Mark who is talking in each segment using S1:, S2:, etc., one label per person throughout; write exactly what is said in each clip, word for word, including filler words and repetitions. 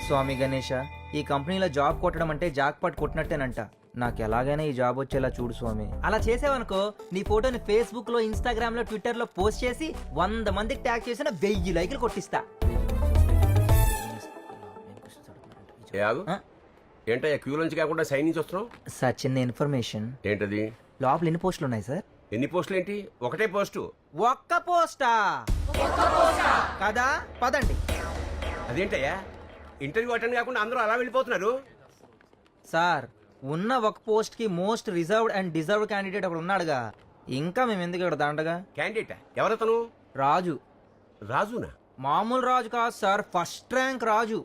S1: స్వామి గణేష, ఈ కంపెనీలో జాబ్ కొట్టడం అంటే జాక్పాట్ కొట్టినట్టేనంట. నాకు ఎలాగైనా ఈ జాబ్ వచ్చేలా చూడు స్వామి. అలా చేసావనుకో నీ ఫోటోని ఫేస్బుక్ లో, ఇన్స్టాగ్రామ్ లో, ట్విట్టర్ లో పోస్ట్ చేసి వంద మందికి ట్యాగ్ చేసిన వెయ్యి లైకులు కొట్టిస్తా.
S2: ఏంటయ్యా క్యూ నుంచి కాకుండా సైన్ నుంచి వస్తున్నావు?
S1: సార్ చిన్న ఇన్ఫర్మేషన్.
S2: ఏంటది?
S1: లోపల ఎన్ని పోస్టులు ఉన్నాయి సార్?
S2: ఎన్ని పోస్టులు ఏంటి? ఒకటే పోస్టు.
S1: ఒక్క పోస్టా కదా? పదండి.
S2: అదేంటయ్యా ఇంటర్వ్యూ అటెండ్ కాకుండా అందరూ అలా వెళ్ళిపోతున్నారు?
S1: సార్ ఉన్న ఒక పోస్ట్ కి most reserved and deserved candidate ఒకడు ఉన్నాడుగా, ఇంకా మేము ఎందుకు ఇక్కడ దండగా?
S2: క్యాండిడేటా? ఎవరతను?
S1: రాజు.
S2: రాజునా?
S1: మామూలు రాజు కాదు సార్, ఫస్ట్ ర్యాంక్ రాజు.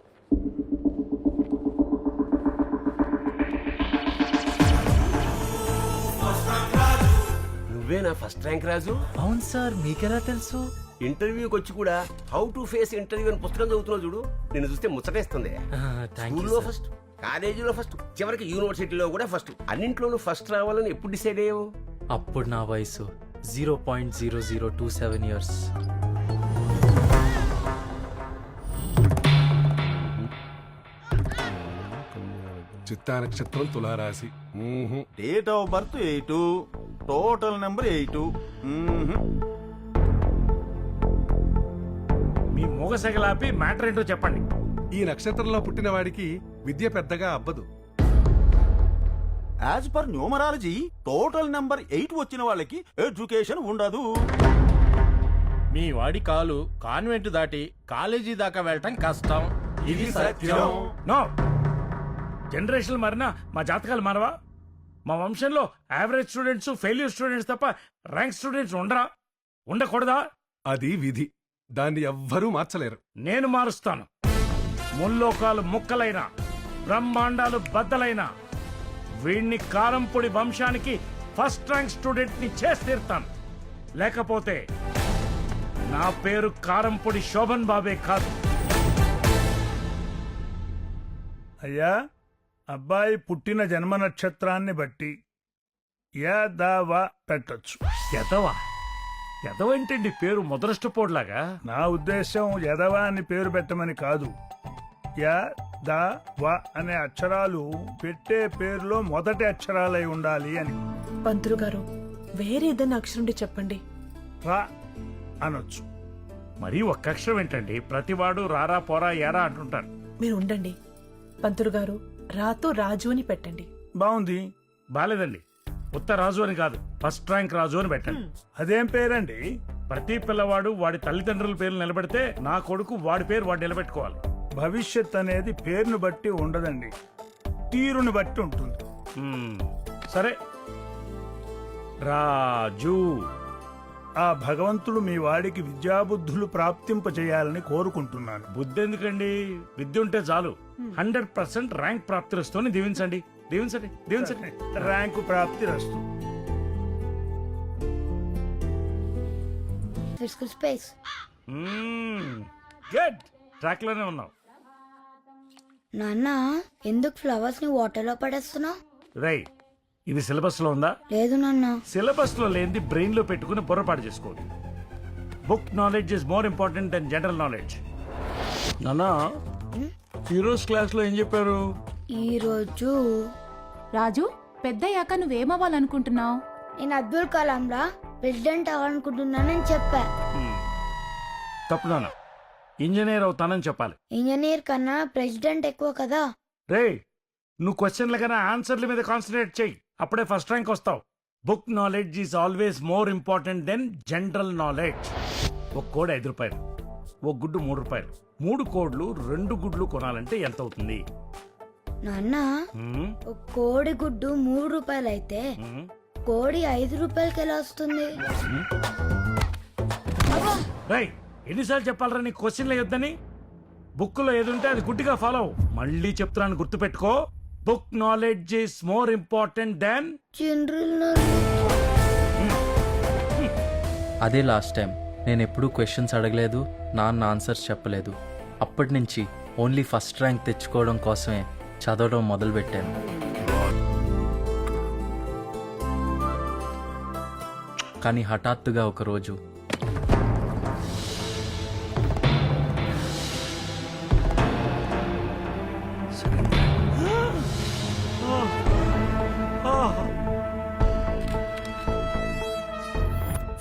S2: నువ్వేనా ఫస్ట్ ర్యాంక్ రాజు?
S1: అవును సార్, మీకెలా తెలుసు?
S2: ఇంటర్వ్యూకి వచ్చి కూడా హౌ టు ఫేస్ ఇంటర్వ్యూ అని పుస్తకం చదువుతున్నావు చూడు, నేను చూస్తే ముచ్చటేస్తుంది. స్కూల్లో ఫస్ట్, కాలేజీలో ఫస్ట్, చివరికి యూనివర్సిటీలో కూడా ఫస్ట్. అన్నింట్లోనూ ఫస్ట్ రావాలని ఎప్పుడు డిసైడ్ అయ్యావు?
S3: అప్పుడు నా వయసు zero point zero zero two seven years.
S4: చిత్తా నక్షత్రం తులారాశి.
S5: Date of birth eight, total number eight.
S6: మీ మూగసగలాపి మ్యాటర్ ఏంటో చెప్పండి.
S4: ఈ నక్షత్రంలో పుట్టిన వాడికి విద్య పెద్దగా అబ్బదు.
S5: As per numerology total number eight వచ్చిన వాళ్ళకి ఎడ్యుకేషన్ ఉండదు.
S6: మీ వాడి కాలు కాన్వెంట్ దాటి కాలేజీ దాకా వెళ్ళటం కష్టం.
S5: ఇది సత్యం.
S6: నో, జనరేషన్ మారినా మా జాతకాలు మారవా? మా వంశంలో యావరేజ్ స్టూడెంట్స్, ఫెయిల్యూర్ స్టూడెంట్స్ తప్ప ర్యాంక్ స్టూడెంట్స్ ఉండరా? ఉండకూడదా?
S4: అది విధి, దాన్ని ఎవ్వరూ మార్చలేరు.
S6: నేను మారుస్తాను. ముల్లోకాలు ముక్కలైన, బ్రహ్మాండాలు బద్దలైన వీణ్ణి కారంపొడి వంశానికి ఫస్ట్ ర్యాంక్ స్టూడెంట్ ని చేసి తీరుతాను. లేకపోతే నా పేరు కారంపొడి శోభన్ బాబే కాదు.
S7: అయ్యా, అబ్బాయి పుట్టిన జన్మ నక్షత్రాన్ని బట్టి యదవ పెట్టొచ్చు.
S6: ఎదవా? ఎదవేంటండి పేరు ముదరష్టపోడ్లాగా?
S7: నా ఉద్దేశం యదవ అని పేరు పెట్టమని కాదు. య ద వ అనే అక్షరాలు పెట్టే పేరులో మొదటి అక్షరాలై ఉండాలి అని.
S8: పంతులు గారు, వేరే ఏదైనా అక్షరం చెప్పండి.
S7: రా అనొచ్చు.
S6: మరీ ఒక్క అక్షరం ఏంటండి? ప్రతివాడు రారా పోరా ఏరా అంటుంటారు.
S8: మీరు ఉండండి. పంతులు గారు, రాతో రాజు అని పెట్టండి.
S7: బాగుంది.
S6: బాలేదండి. ఉత్త రాజు అని కాదు, ఫస్ట్ ర్యాంక్ రాజు అని పెట్టండి.
S7: అదేం పేరండి?
S6: ప్రతి పిల్లవాడు వాడి తల్లిదండ్రుల పేర్లు నిలబెడితే నా కొడుకు వాడి పేరు వాడు నిలబెట్టుకోవాలి.
S7: భవిష్యత్ అనేది పేరును బట్టి ఉండదండి, తీరుని బట్టి ఉంటుంది.
S6: మ్మ్. సరే, రాజు.
S7: ఆ భగవంతుడు మీ వాడికి విద్యాబుద్ధులు ప్రాప్తింపచేయాలని కోరుకుంటున్నాను.
S6: బుద్ధి ఎందుకండి? విద్య ఉంటే చాలు. హండ్రెడ్ పర్సెంట్ ర్యాంక్ ప్రాప్తిస్తూనే దీవించండి, దీవించండి, దీవించండి.
S7: ర్యాంకు ప్రాప్తి రస్తు.
S6: గుడ్, ట్రాక్ లోనే ఉన్నావు.
S9: నాన్న, ఎందుకు ఫ్లవర్స్ ని వాటర్ లో పడేస్తున్నావు?
S6: రై, ఇది సిలబస్ లో ఉందా?
S9: లేదు నాన్న.
S6: సిలబస్ లో లేనిది బ్రెయిన్ లో పెట్టుకుని బుర్రపాటు చేసుకోవద్దు. Book knowledge is more important then general knowledge.
S7: నాన్న, హీరోస్ క్లాస్ లో ఏం చెప్పారు?
S9: ఈ రోజు
S10: రాజు, పెద్దయ్యాక నువ్వేమవ్వాలనుకుంటున్నావు?
S9: నేను అబ్దుల్ కలాం లా ప్రెసిడెంట్ అవ్వాలనుకుంటున్నానని చెప్పా.
S6: తప్పు నాన్న, ఇంజనీర్ అవుతానని చెప్పాలి.
S9: ఇంజనీర్ కన్నా ప్రెసిడెంట్ ఎక్కువ కదా.
S6: రే, నువ్వు క్వశ్చన్ల కన్నా ఆన్సర్ల మీద కాన్సన్ట్రేట్ చెయ్యి, అప్పుడే ఫస్ట్ ర్యాంక్ వస్తావు. Book knowledge is always more important then general knowledge. ఒక కోడి ఐదు రూపాయలు, ఒక గుడ్డు మూడు రూపాయలు. మూడు కోడ్లు రెండు గుడ్లు కొనాలంటే ఎంత అవుతుంది?
S9: నాన్న, ఒక కోడి గుడ్డు మూడు రూపాయలు అయితే కోడి ఐదు రూపాయలకి ఎలా వస్తుంది?
S6: రై, ఎన్నిసార్లు చెప్పాలరా నీ క్వశ్చన్లు వద్దని? బుక్ లో ఏదుంటే అది గుడ్డిగా ఫాలో. మళ్ళీ చెప్తున్నాను, గుర్తు పెట్టుకో. Book knowledge is more important than
S9: general knowledge.
S3: అదే లాస్ట్ టైం నేను ఎప్పుడూ క్వశ్చన్స్ అడగలేదు, నాన్న ఆన్సర్స్ చెప్పలేదు. అప్పటి నుంచి ఓన్లీ ఫస్ట్ ర్యాంక్ తెచ్చుకోవడం కోసమే చదవడం మొదలుపెట్టాను. కానీ హఠాత్తుగా ఒకరోజు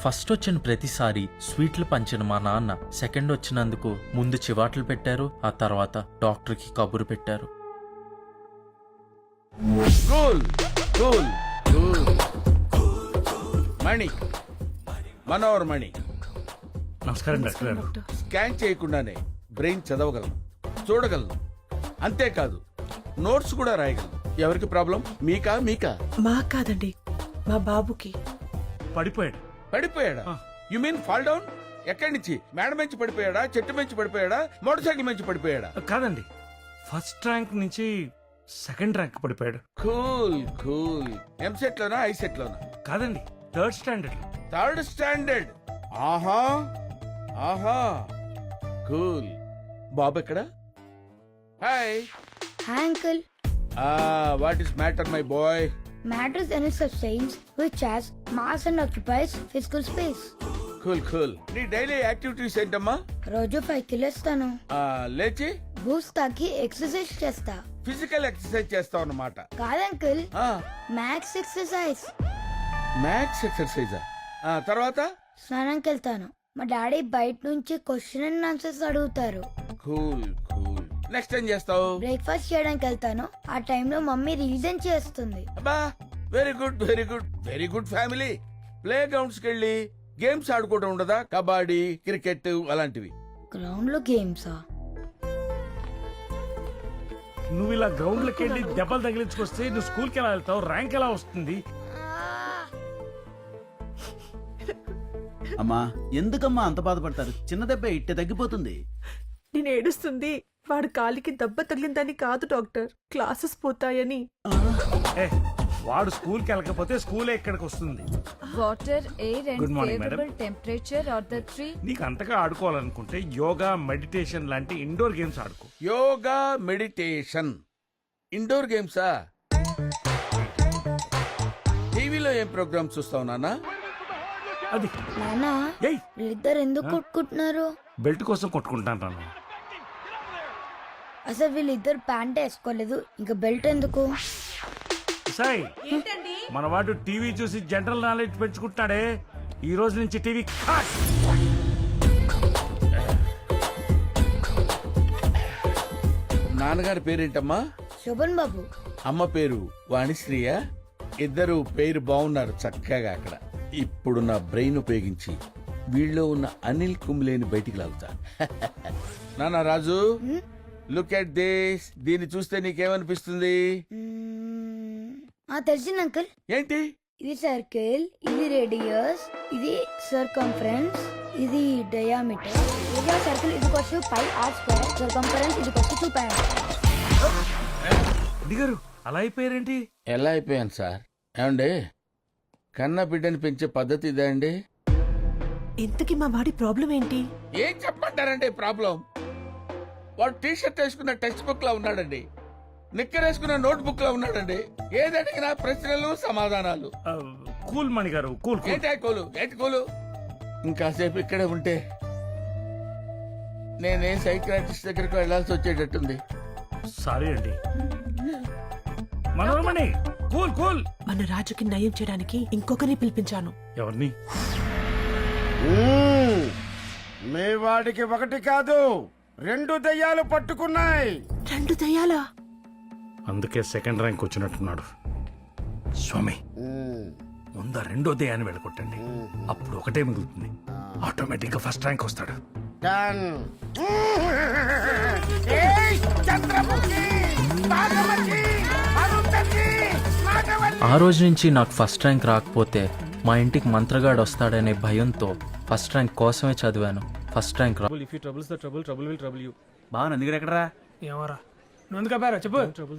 S3: ఫస్ట్ వచ్చిన ప్రతిసారి స్వీట్లు పంచిన మా నాన్న సెకండ్ వచ్చినందుకు ముందు చివాట్లు పెట్టారు, ఆ తర్వాత డాక్టర్కి కబురు పెట్టారు.
S5: Cool cool cool Mani Manohar Mani
S6: నమస్కారం డాక్టర్ గారు.
S5: స్కాన్ చేయకుండానే బ్రెయిన్ చదవగలను, చూడగలను, అంతేకాదు నోట్స్ కూడా రాయగలను. ఎవరికి ప్రాబ్లం, మీకా మీకా?
S8: మా కాదండి, మా బాబుకి.
S6: పడిపోయాడు.
S5: పడిపోయాడా? You mean fall down? ఎక్కడి నుంచి? మేడ నుంచి పడిపోయాడా, చెట్టు నుంచి పడిపోయాడా, మోటార్ సైకిల్ నుంచి పడిపోయాడా?
S6: కాదండి, ఫస్ట్ ర్యాంక్ నుంచి సెకండ్ ర్యాంక్ పడిపోయాడు.
S5: Cool cool. ఎంసెట్ లోనా ఐసెట్ లోనా?
S6: కాదండి, థర్డ్ స్టాండర్డ్.
S5: Third standard. ఆహా ఆహా కూల్. బాబు ఎక్కడ? Hi.
S9: Hi uncle.
S5: What is matter my boy?
S9: Matters any substance which has mass and occupies physical space.
S5: Cool cool. నీ డైలీ యాక్టివిటీస్ ఏంటమ్మా?
S9: రోజు ఫైవ్ కిలోస్తాను.
S5: ఆ, లేచి
S9: బూస్ట్ తాకి ఎక్సర్సైజ్ చేస్తా.
S5: ఫిజికల్ ఎక్సర్సైజ్ చేస్తావు అన్నమాట.
S9: కాదంకుల్, మ్యాథ్స్ ఎక్సర్సైజ్.
S5: Maths exercise. తర్వాత
S9: స్నానంకి వెళ్తాను. మా డాడీ బయట నుంచి క్వశ్చన్ అండ్ ఆన్సర్స్ అడుగుతారు.
S5: Cool cool. నెక్స్ట్ ఏం చేస్తావు?
S9: బ్రేక్ఫాస్ట్ చేయడానికి వెళ్తాను. ఆ టైంలో మమ్మీ రీజన్ చేస్తుంది.
S5: అబ్బా, very good very good very good family. Play grounds కి వెళ్ళి గేమ్స్ ఆడుకోవడం ఉండదా? కబడ్డీ, క్రికెట్ అలాంటివి.
S9: గ్రౌండ్ లో గేమ్సా?
S6: నువ్వు ఇలా గ్రౌండ్ లోకి వెళ్ళి దెబ్బలు తగిలించుకొస్తే నువ్వు స్కూల్కి ఎలా వెళ్తావు? ర్యాంక్ ఎలా వస్తుంది?
S5: అమ్మా, ఎందుకమ్మా అంత బాధపడతారు? చిన్న దెబ్బ ఇట్టే తగ్గిపోతుంది.
S8: నేను ఏడుస్తుంది వాడు కాలికి దెబ్బ తగిలిందని కాదు డాక్టర్, క్లాసెస్ పోతాయని.
S6: ఏ, వాడు స్కూల్కి వెళ్ళకపోతే స్కూలే ఇక్కడికి వస్తుంది.
S10: Water, air
S6: Good morning, madam.
S10: Temperature are the three.
S6: నీకు అంతగా ఆడుకోవాలనుకుంటే యోగా, మెడిటేషన్ లాంటి ఇండోర్ గేమ్స్ ఆడుకో.
S5: యోగా, మెడిటేషన్, ఇండోర్ గేమ్సా? టీవీలో ఏం ప్రోగ్రామ్స్ చూస్తావు నాన్న?
S6: అది
S9: నానా,
S6: ఏయ్,
S9: వీళ్ళిద్దరు ఎందుకు కొట్టుకుంటున్నారు?
S6: బెల్ట్ కోసం కొట్టుకుంటాను రాను.
S9: అసలు వీళ్ళిద్దరు ప్యాంట్ వేసుకోలేదు, ఇంకా బెల్ట్ ఎందుకు?
S6: సాయి, మన వాడు టీవీ చూసి జనరల్ నాలెడ్జ్ పెంచుకుంటాడే, ఈ రోజు నుంచి టీవీ కట్.
S5: నాన్నగారి పేరేంటమ్మా?
S9: శోభన్ బాబు.
S5: అమ్మ పేరు వాణిశ్రీయ. ఇద్దరు పేరు బాగున్నారు చక్కగా. అక్కడ ఇప్పుడు నా బ్రెయిన్ ఉపయోగించి వీళ్ళలో ఉన్న అనిల్ కుంబ్లేని బయటికి లాగుతా. నాన్న రాజు, లుక్ ఎట్ దిస్. దీన్ని చూస్తే నీకేమనిపిస్తుంది?
S9: మ్మ్. ఆ, తెలిసింది అంకుల్.
S5: ఏంటి?
S9: ఇది సర్కిల్, ఇది రేడియస్, ఇది సర్కంఫరెన్స్, ఇది డయామీటర్. ఏరియా సర్కిల్ ఇది కొచ్చు పై ఆర్ స్క్వేర్, సర్కంఫరెన్స్ ఇది కొచ్చు టూ పై ఆర్.
S6: గారు అలా అయిపోయారేంటి?
S5: ఎలా అయిపోయాను సార్? ఏమండి, కన్న బిడ్డని పెంచే పద్ధతి ఇదే అండి?
S8: ఇంతకీ మా వాడి ప్రాబ్లం ఏంటి?
S5: ఏం చెప్పంటారండి ప్రాబ్లం? వాడు టీ షర్ట్ వేసుకున్న టెక్స్ట్ బుక్ లా ఉన్నాడండి, నిక్కర్ వేసుకున్న నోట్ బుక్ లా ఉన్నాడండి. ఏది అడిగినా ప్రశ్నలు సమాధానాలు.
S6: ఆ, కూల్ మణి గారు, కూల్ కూల్.
S5: ఏంటి కోలు ఏంటి కోలు? ఇంకాసేపు ఇక్కడే ఉంటే నేనే సైకియాట్రిస్ట్ దగ్గరకు వెళ్లాల్సి వచ్చేటట్టుంది.
S6: సారీ అండి. Manoramani, cool cool.
S8: మన రాజుకి నయం చేయడానికి ఇంకొకరిని పిలిపించాను.
S6: ఎవరిని?
S11: మీ వాడికి ఒకటి కాదు రెండు దయ్యాలు పట్టుకున్నాయి.
S8: రెండు దయ్యాలా?
S6: అందుకే సెకండ్ ర్యాంక్ వచ్చినట్టున్నాడు. స్వామి, ముందు ఆ రెండో దయ్యాన్ని వెళ్ళగొట్టండి, అప్పుడు ఒకటే మిగులుతుంది. ఆటోమేటిక్ గా ఫస్ట్ ర్యాంక్ వస్తాడు.
S11: డన్. ఏయ్, చంద్రముఖి, నాగమణి, అరుంధతి, నాగవల్లి.
S3: ఆ రోజు నుంచి నాకు ఫస్ట్ ర్యాంక్ రాకపోతే మా ఇంటికి మంత్రగాడు వస్తాడనే భయంతో ఫస్ట్ ర్యాంక్ కోసమే చదివాను. ఫస్ట్ ర్యాంక్ రా.
S5: బాగా నందిగడ ఎక్కడరా?
S12: ఏమరా నువ్వు చెప్పు.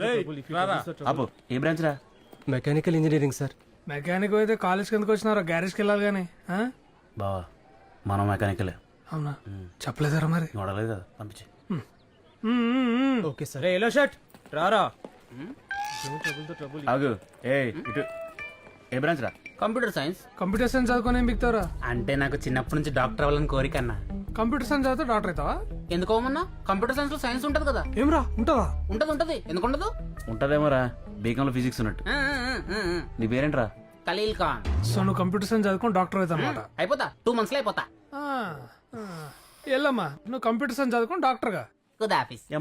S5: ఏ బ్రాంచ్ రా?
S12: Mechanical engineering sir. మెకానిక్ అయితే కాలేజ్ కిందకి వచ్చినారా? గ్యారేజ్కి వెళ్ళాలి కానీ.
S5: బావా, మనం మెకానికలే.
S12: అవునా? చెప్పలేదారా మరి?
S5: నోడలేదు కదా, పంపించి.
S12: Okay sir. ఎల్లో షర్ట్ రారా.
S5: ఆగు. ఏ ఇటు. ఏ బ్రాంచ్ రా?
S12: Computer science. కంప్యూటర్ సైన్స్ చదువుకొని ఏం బిక్తారా?
S11: అంటే నాకు చిన్నప్పటి నుంచి డాక్టర్ అవ్వాలని కోరిక అన్న.
S12: కంప్యూటర్ సైన్స్ చదివితే డాక్టర్ అవుతావా?
S11: ఎందుకోమన్నా, కంప్యూటర్ సైన్స్ లో సైన్స్ ఉంటది కదా.
S12: ఏమరా ఉంటదా?
S11: ఉంటది ఉంటది, ఎందుకు ఉండదు?
S5: ఉంటదేమోరా, బీకాంలో ఫిజిక్స్ ఉన్నట్టు. నీ పేరేంట్రా?
S11: ఖలీల్ ఖాన్.
S12: సో నువ్వు కంప్యూటర్ సైన్స్ చదువుకొని డాక్టర్ అవుతా అనమాట
S11: అయిపోతా టూ మంత్స్ లో అయిపోతా.
S12: వెళ్ళమ్మా నువ్వు కంప్యూటర్ సైన్స్ చదువుకొని డాక్టర్గా
S11: ఖుదాఫిస్.